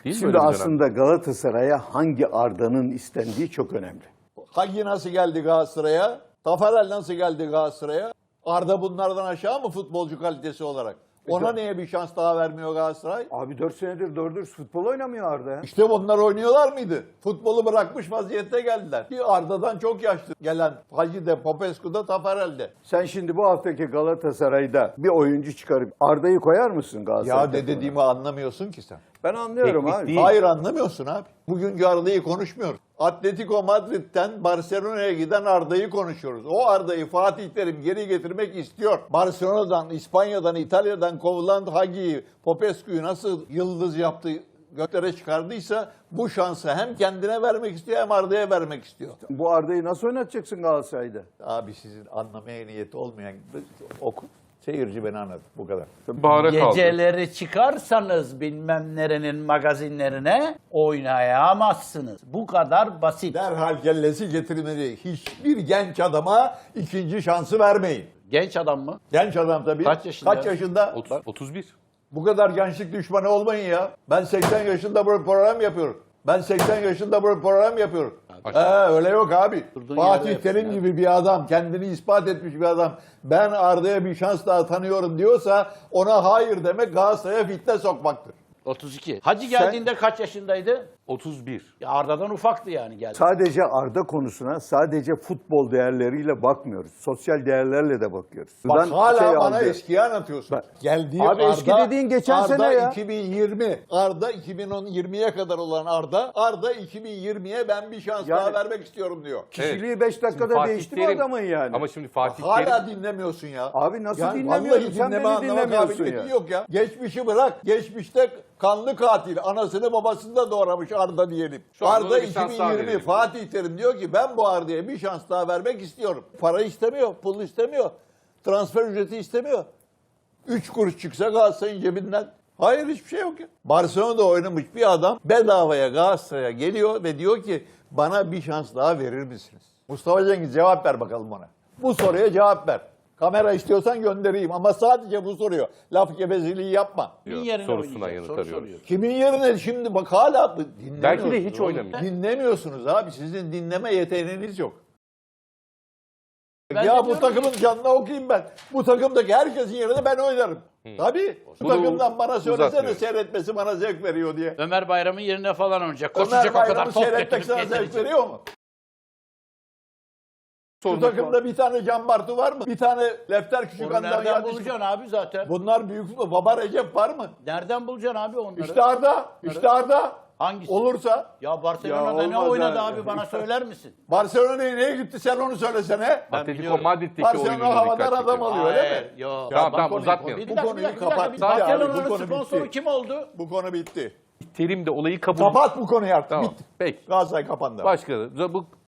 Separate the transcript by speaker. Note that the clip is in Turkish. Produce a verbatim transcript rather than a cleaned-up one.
Speaker 1: Değil mi
Speaker 2: Şimdi
Speaker 1: böyle bir
Speaker 2: aslında Galatasaray'a hangi Arda'nın istendiği çok önemli.
Speaker 3: Hagi nasıl geldi Galatasaray'a? Tafarel nasıl geldi Galatasaray'a? Arda bunlardan aşağı mı futbolcu kalitesi olarak? Ona niye bir şans daha vermiyor Galatasaray?
Speaker 2: Abi dört senedir doğru dürüst futbol oynamıyor Arda ya.
Speaker 3: İşte onlar oynuyorlar mıydı? Futbolu bırakmış vaziyette geldiler. Bir Arda'dan çok yaşlı gelen Hagi de, Popescu da, Tafarel de.
Speaker 2: Sen şimdi bu haftaki Galatasaray'da bir oyuncu çıkarıp Arda'yı koyar mısın Galatasaray'a?
Speaker 3: Ya ne dediğimi anlamıyorsun ki sen.
Speaker 2: Ben anlıyorum
Speaker 1: Teknik
Speaker 2: abi.
Speaker 1: değil.
Speaker 3: Hayır anlamıyorsun abi. Bugünkü Arda'yı konuşmuyoruz. Atletico Madrid'den Barcelona'ya giden Arda'yı konuşuyoruz. O Arda'yı Fatih Terim geri getirmek istiyor. Barcelona'dan, İspanya'dan, İtalya'dan kovulan Hagi'yi, Popescu'yu nasıl yıldız yaptı, göklere çıkardıysa bu şansı hem kendine vermek istiyor hem Arda'ya vermek istiyor.
Speaker 2: Bu Arda'yı nasıl oynatacaksın Galatasaray'da?
Speaker 3: Abi sizin anlamaya niyeti olmayan oku. Seyirci beni anladı. Bu kadar.
Speaker 1: Bahara kaldı.
Speaker 4: Geceleri çıkarsanız bilmem nerenin magazinlerine oynayamazsınız. Bu kadar basit.
Speaker 3: Derhal kellesi getirmeli. Hiçbir genç adama ikinci şansı vermeyin.
Speaker 4: Genç adam mı?
Speaker 3: Genç adam tabii.
Speaker 4: Kaç yaşında?
Speaker 3: Kaç yaşında?
Speaker 1: otuz, otuz bir.
Speaker 3: Bu kadar gençlik düşmanı olmayın ya. Ben seksen yaşında böyle program yapıyorum. Ben seksen yaşında böyle program yapıyorum. Ee, öyle yok abi.
Speaker 4: Durduğun
Speaker 3: Fatih
Speaker 4: yerde
Speaker 3: Terim
Speaker 4: yapsın
Speaker 3: gibi bir adam, kendini ispat etmiş bir adam. Ben Arda'ya bir şans daha tanıyorum diyorsa ona hayır demek Galatasaray'a fitne sokmaktır.
Speaker 4: otuz iki. Hacı geldiğinde kaç yaşındaydı?
Speaker 1: otuz bir.
Speaker 4: Ya Arda'dan ufaktı yani geldi.
Speaker 2: Sadece Arda konusuna sadece futbol değerleriyle bakmıyoruz. Sosyal değerlerle de bakıyoruz.
Speaker 3: Bak
Speaker 2: Buradan
Speaker 3: hala
Speaker 2: şey
Speaker 3: bana
Speaker 2: aldı.
Speaker 3: eskiyi anlatıyorsun.
Speaker 2: Bak,
Speaker 3: Geldiği
Speaker 2: abi
Speaker 3: Arda,
Speaker 2: eski dediğin geçen
Speaker 3: Arda
Speaker 2: sene ya.
Speaker 3: iki bin yirmi. Arda iki bin on yirmiye kadar olan Arda. Arda iki bin yirmiye ben bir şans
Speaker 2: Yani-
Speaker 3: daha vermek istiyorum diyor.
Speaker 2: Kişiliği beş
Speaker 1: Şimdi
Speaker 2: dakikada
Speaker 1: Fatih
Speaker 2: değişti mi
Speaker 1: Terim-
Speaker 2: adamın yani?
Speaker 1: Ama şimdi Fatih
Speaker 3: Hala
Speaker 1: Terim
Speaker 3: dinlemiyorsun ya.
Speaker 2: Abi nasıl
Speaker 3: Yani
Speaker 2: dinlemiyorum?
Speaker 3: vallahi
Speaker 2: Sen
Speaker 3: dinleme
Speaker 2: beni
Speaker 3: anlama
Speaker 2: dinlemiyorsun
Speaker 3: kabiliyeti
Speaker 2: ya.
Speaker 3: yok ya. Geçmişi bırak. Geçmişte kanlı katil. Anasını babasını da doğramış Arda diyelim.
Speaker 1: Şu anda
Speaker 3: Arda
Speaker 1: ona bir şans daha
Speaker 3: iki bin yirmi
Speaker 1: verelim.
Speaker 3: Fatih Terim diyor ki ben bu Arda'ya bir şans daha vermek istiyorum. Para istemiyor, pul istemiyor. Transfer ücreti istemiyor. Üç kuruş çıksa Galatasaray'ın cebinden. Hayır hiçbir şey yok ya. Barcelona'da oynamış bir adam bedavaya Galatasaray'a geliyor ve diyor ki bana bir şans daha verir misiniz? Mustafa Cengiz cevap ver bakalım ona. Bu soruya cevap ver. Kamera istiyorsan göndereyim ama sadece bu soruyor. Laf gevezeliği yapma.
Speaker 4: Kimin yerine
Speaker 1: sorusuna
Speaker 4: oynayacak?
Speaker 1: yanıt
Speaker 4: Soru
Speaker 1: arıyoruz.
Speaker 4: soruyor.
Speaker 3: Kimin yerine şimdi bak hala dinlemiyorsunuz.
Speaker 1: Belki de hiç oynamayacak.
Speaker 3: Dinlemiyorsunuz abi. Sizin dinleme yeteneğiniz yok.
Speaker 4: Ben de
Speaker 3: ya bu
Speaker 4: diyorum
Speaker 3: takımın
Speaker 4: ki-
Speaker 3: canına okuyayım ben. Bu takımdaki herkesin yerine ben oynarım. Tabii. Bu
Speaker 1: Bunu
Speaker 3: takımdan bana söylesene
Speaker 1: uzatmıyoruz.
Speaker 3: seyretmesi bana zevk veriyor diye.
Speaker 4: Ömer Bayram'ın yerine falan oynayacak.
Speaker 3: Ömer
Speaker 4: Koşacak o kadar
Speaker 3: Bayram'ı
Speaker 4: top
Speaker 3: seyretmek
Speaker 4: götürüp
Speaker 3: sana zevk
Speaker 4: getirecek.
Speaker 3: veriyor mu? Bu
Speaker 1: sormak
Speaker 3: takımda bir tane Can Bartu var mı? Bir tane Lefter
Speaker 4: Onu
Speaker 3: Küçükan'dan
Speaker 4: nereden
Speaker 3: gelmiş.
Speaker 4: bulacaksın abi zaten?
Speaker 3: Bunlar büyük mü? Baba Recep var mı?
Speaker 4: Nereden bulacaksın abi onları?
Speaker 3: İşte Arda. İşte Arda.
Speaker 4: Hangisi?
Speaker 3: Olursa.
Speaker 4: Ya Barcelona'da
Speaker 2: Ya
Speaker 4: ne
Speaker 2: olmaz
Speaker 4: oynadı
Speaker 2: ha.
Speaker 4: abi bana söyler misin?
Speaker 3: Barcelona'ya neye gitti sen onu söylesene.
Speaker 4: Ben
Speaker 1: Atletico
Speaker 4: biliyorum.
Speaker 1: Madrid'deki
Speaker 3: Barcelona
Speaker 1: oyununa
Speaker 3: havadan
Speaker 1: dikkat
Speaker 3: adam
Speaker 1: çekiyor.
Speaker 3: alıyor öyle mi?
Speaker 4: Yok.
Speaker 1: Tamam
Speaker 3: bu
Speaker 1: tamam
Speaker 3: konuyu-
Speaker 1: uzatmayalım.
Speaker 4: Bir
Speaker 3: Bu
Speaker 4: dakika,
Speaker 3: konuyu
Speaker 4: bir dakika, bir
Speaker 3: kapat.
Speaker 4: dakika.
Speaker 3: Bitti abi, bu
Speaker 4: Barcelona'nın
Speaker 3: konu
Speaker 4: sponsoru
Speaker 3: bitti.
Speaker 4: kim oldu?
Speaker 3: Bu konu bitti.
Speaker 1: Terim de olayı kabul.
Speaker 3: Kapat bu konuyu artık.
Speaker 1: Tamam.
Speaker 3: Bitti.
Speaker 1: Peki.
Speaker 3: Galatasaray kapandı.
Speaker 1: Başka bu